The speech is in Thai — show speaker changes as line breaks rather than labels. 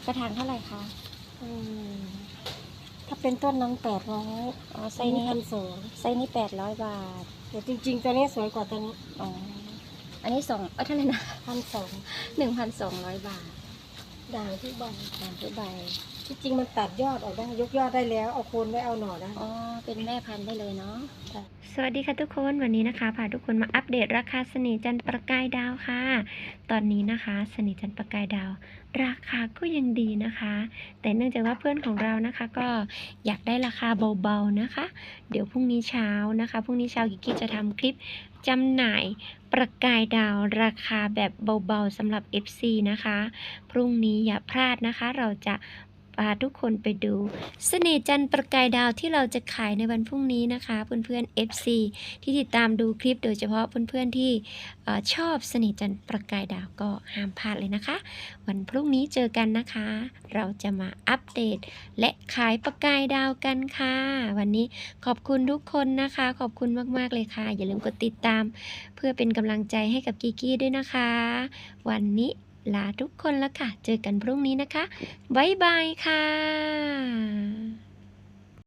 กระถางเท่าไหร่คะ
อืมถ้าเป็นต้นนั้น800
อ๋อไซส์นี้
1,200
ไซส์นี้800 บาท
แต่จริงๆตัวนี้สวยกว่าตัวนี้
อ๋ออันนี้เท่าไหร่นะ
1,200
1,200 บาท
ด่างที่ใบ
ตามทุกใบ
ที่จริงมันตัดยอดออกได้ยกยอดได้แล้วเอาโคนไว้เอาหน่อได้
อ๋อเป็นแม่พันธุ์ได้เลยเนาะ
ค่ะ
สวัสดีค่ะทุกคนวันนี้นะคะพาทุกคนมาอัปเดตราคาเสน่ห์จันทร์ประกายดาวค่ะ ตอนนี้นะคะเสน่ห์จันทร์ประกายดาว ราคาก็ยังดีนะคะ แต่เนื่องจากว่าเพื่อนของเรานะคะก็อยากได้ราคาเบาๆนะคะ เดี๋ยวพรุ่งนี้เช้านะคะพรุ่งนี้เช้ากิกกี้จะทำคลิปจำหน่ายประกายดาวราคาแบบเบาๆสำหรับ FC นะคะพรุ่งนี้อย่าพลาดนะคะเราจะพาทุกคนไปดูเสน่ห์จันทร์ประกายดาวที่เราจะขายในวันพรุ่งนี้นะคะเพื่อนๆ FC ที่ติดตามดูคลิปโดยเฉพาะเพื่อนๆที่ชอบเสน่ห์จันทร์ประกายดาวก็ห้ามพลาดเลยนะคะวันพรุ่งนี้เจอกันนะคะ เราจะมาอัปเดตและขายประกายดาวกันค่ะวันนี้ขอบคุณทุกคนนะคะขอบคุณมากๆเลยค่ะอย่าลืมกดติดตามเพื่อเป็นกำลังใจให้กับกิกกี้ด้วยนะคะ วันนี้ลาทุกคนแล้วค่ะ เจอกันพรุ่งนี้นะคะ บ๊ายบายค่ะ